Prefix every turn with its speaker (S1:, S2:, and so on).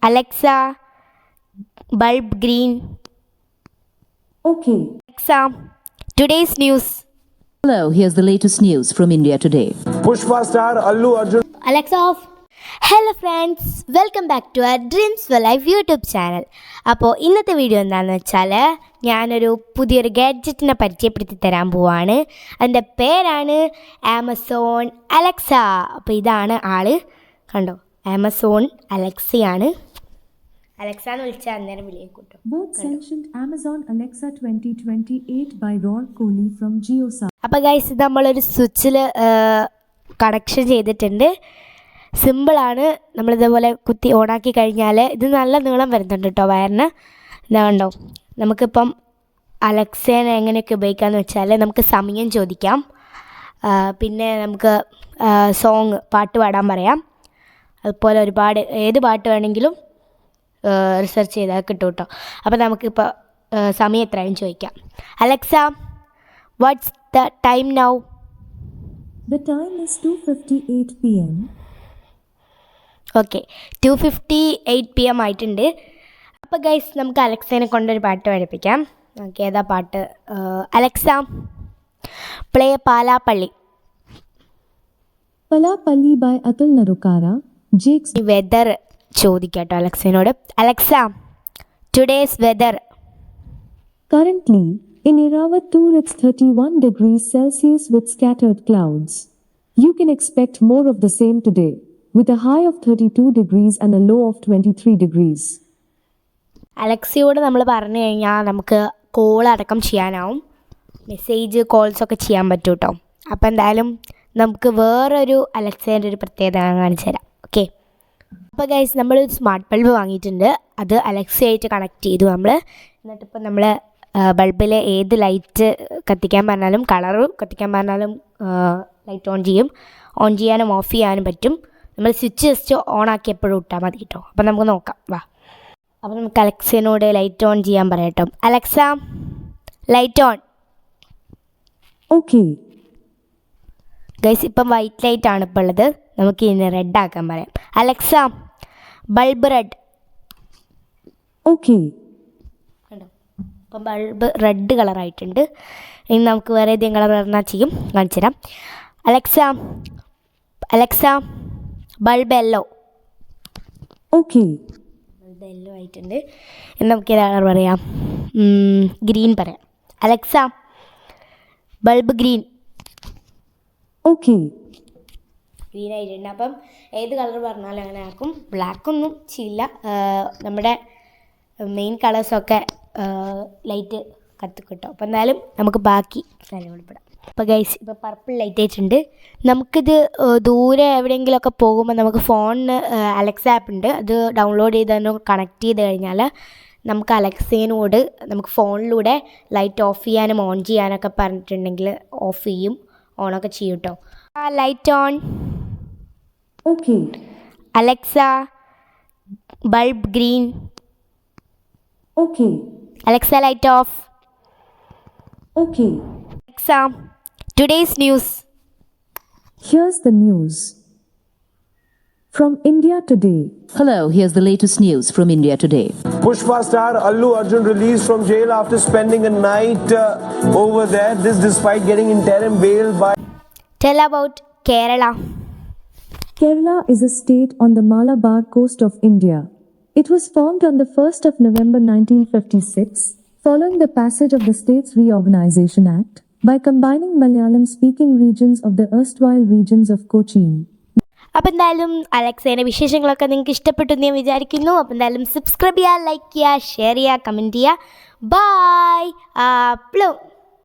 S1: Alexa, bulb green.
S2: Okay.
S1: Alexa, today's news.
S3: Hello, here's the latest news from India today.
S4: Pushpa star Allu Arjun.
S1: Alexa off. Hello friends, welcome back to our dreams for life YouTube channel. അപ്പോൾ ഇന്നത്തെ video എന്താണെന്ന് വെച്ചാൽ ഞാനൊരു പുതിയൊരു ഗാഡ്ജറ്റിനെ പരിചയപ്പെടുത്തി തരാൻ പോവാണ്. അതിൻ്റെ പേരാണ് ആമസോൺ അലക്സ. അപ്പോൾ ഇതാണ് ആള്, കണ്ടോ, ആമസോൺ അലക്സയാണ്. അലക്സ എന്ന് വിളിച്ചാൽ അന്നേരം വിളിയേക്കൂട്ടോ.
S2: Both sanctioned Amazon Alexa 2028 by Ron Kohli from JioSaavn.
S1: അപ്പോൾ ഗൈസ്, ഇത് നമ്മളൊരു സ്വിച്ചിൽ കണക്ഷൻ ചെയ്തിട്ടുണ്ട്. സിമ്പിളാണ്. നമ്മളിതേപോലെ കുത്തി ഓണാക്കി കഴിഞ്ഞാൽ ഇത് നല്ല നീളം വരുന്നുണ്ട് കേട്ടോ വയറിന്. ഇതാ കണ്ടോ, നമുക്കിപ്പം അലക്സേനെ എങ്ങനെയൊക്കെ ഉപയോഗിക്കാമെന്ന് വെച്ചാൽ നമുക്ക് സമയം ചോദിക്കാം, പിന്നെ നമുക്ക് സോങ് പാട്ട് പാടാൻ പറയാം. അതുപോലെ ഒരുപാട് ഏത് പാട്ട് വേണമെങ്കിലും റിസർച്ച് ചെയ്താൽ കിട്ടും കേട്ടോ. അപ്പോൾ നമുക്കിപ്പോൾ സമയം എത്രയും ചോദിക്കാം. Alexa, what's the time now?
S2: The time is 2:58 p.m.
S1: Okay, 2:58 PM ആയിട്ടുണ്ട്. അപ്പോൾ ഗൈസ്, നമുക്ക് അലക്സേനെ കൊണ്ടൊരു പാട്ട് പഠിപ്പിക്കാം. നമുക്ക് ഏതാ പാട്ട്? Alexa, play Palappalli.
S2: Palapalli by Atul Narukara. Jake's
S1: weather ചോദിക്കാം കേട്ടോ അലക്സേനോട്. Alexa, today's weather.
S2: Currently, in Eravattur it's 31 degrees Celsius with scattered clouds. You can expect more of the same today, with a high of 32 degrees and a low of 23 degrees.
S1: അലക്സയോട് നമ്മൾ പറഞ്ഞു കഴിഞ്ഞാൽ നമുക്ക് call അടക്കം ചെയ്യാനാവും, message കോൾസൊക്കെ ചെയ്യാൻ പറ്റും കേട്ടോ. അപ്പോൾ എന്തായാലും നമുക്ക് വേറൊരു അലക്സേൻ്റെ ഒരു പ്രത്യേകത കാണിച്ചു തരാം. ഓക്കെ, അപ്പോൾ ഗൈസ്, നമ്മൾ സ്മാർട്ട് ബൾബ് വാങ്ങിയിട്ടുണ്ട്. അത് അലക്സയായിട്ട് കണക്ട് ചെയ്തു നമ്മൾ. എന്നിട്ടിപ്പോൾ നമ്മൾ ബൾബിൽ ഏത് ലൈറ്റ് കത്തിക്കാൻ പറഞ്ഞാലും, കളറ് കത്തിക്കാൻ പറഞ്ഞാലും ലൈറ്റ് ഓൺ ചെയ്യും. ഓൺ ചെയ്യാനും ഓഫ് ചെയ്യാനും പറ്റും. നമ്മൾ സ്വിച്ച് ജസ്റ്റ് ഓൺ ആക്കി എപ്പോഴും ഇട്ടാൽ മതി കേട്ടോ. അപ്പോൾ നമുക്ക് നോക്കാം, വാ. അപ്പോൾ നമുക്ക് അലക്സേനോട് ലൈറ്റ് ഓൺ ചെയ്യാൻ പറയാം കേട്ടോ. Alexa, light on.
S2: Okay.
S1: Guys, ഇപ്പം വൈറ്റ് ലൈറ്റ് ആണ് ഇപ്പോൾ ഉള്ളത്. നമുക്ക് ഇനി റെഡ് ആക്കാൻ പറയാം. Alexa, bulb red.
S2: Okay.
S1: കണ്ടോ, ഇപ്പം ബൾബ് റെഡ് കളറായിട്ടുണ്ട്. ഇനി നമുക്ക് വേറെ ഏതെങ്കിലും കളർ പറഞ്ഞാൽ ചെയ്യും, കാണിച്ചു തരാം. Alexa, bulb yellow.
S2: Okay.
S1: Bulb yellow ആയിട്ടുണ്ട്. ഇനി നമുക്ക് ഏത് കളർ പറയാം? ഗ്രീൻ പറയാം. Alexa, bulb green.
S2: Okay.
S1: Green ആയിട്ടുണ്ട്. അപ്പം ഏത് കളർ പറഞ്ഞാലും അങ്ങനെ ആക്കും. ബ്ലാക്കൊന്നും ചെയ്യില്ല. നമ്മുടെ മെയിൻ കളേഴ്സൊക്കെ ലൈറ്റ് കത്തിക്കിട്ടും. അപ്പോൾ എന്തായാലും നമുക്ക് ബാക്കി കാര്യങ്ങളിൽപ്പെടാം. അപ്പോൾ ഗൈസ്, ഇപ്പോൾ പർപ്പിൾ ലൈറ്റ് ആയിട്ടുണ്ട്. നമുക്കിത് ദൂരെ എവിടെയെങ്കിലുമൊക്കെ പോകുമ്പോൾ നമുക്ക് ഫോണിന് അലക്സ ആപ്പ് ഉണ്ട്. അത് ഡൗൺലോഡ് ചെയ്ത് തന്നെ കണക്ട് ചെയ്ത് കഴിഞ്ഞാൽ നമുക്ക് അലക്സേനോട് നമുക്ക് ഫോണിലൂടെ ലൈറ്റ് ഓഫ് ചെയ്യാനും ഓൺ ചെയ്യാനൊക്കെ പറഞ്ഞിട്ടുണ്ടെങ്കിൽ ഓഫ് ചെയ്യും, ഓണൊക്കെ ചെയ്യും കേട്ടോ. Light on.
S2: Okay.
S1: Alexa, bulb green.
S2: Okay.
S1: Alexa, light off.
S2: Okay.
S1: Alexa, today's news.
S2: Here's the news from India today.
S3: Hello, here's the latest news from India today.
S4: Pushpa star Allu Arjun released from jail after spending a night over there. This despite getting interim bail by.
S1: Tell about Kerala.
S2: Kerala is a state on the Malabar coast of India. It was formed on the 1st of November 1956, following the passage of the States Reorganization Act, by combining Malayalam-speaking regions of the erstwhile regions of Cochin.
S1: അപ്പോൾ എന്തായാലും അലക്സേൻ്റെ വിശേഷങ്ങളൊക്കെ നിങ്ങൾക്ക് ഇഷ്ടപ്പെട്ടു എന്ന് ഞാൻ വിചാരിക്കുന്നു. അപ്പോൾ എന്തായാലും സബ്സ്ക്രൈബ് ചെയ്യുക, ലൈക്ക് ചെയ്യുക, ഷെയർ ചെയ്യുക, കമൻറ്റ് ചെയ്യുക. ബൈ.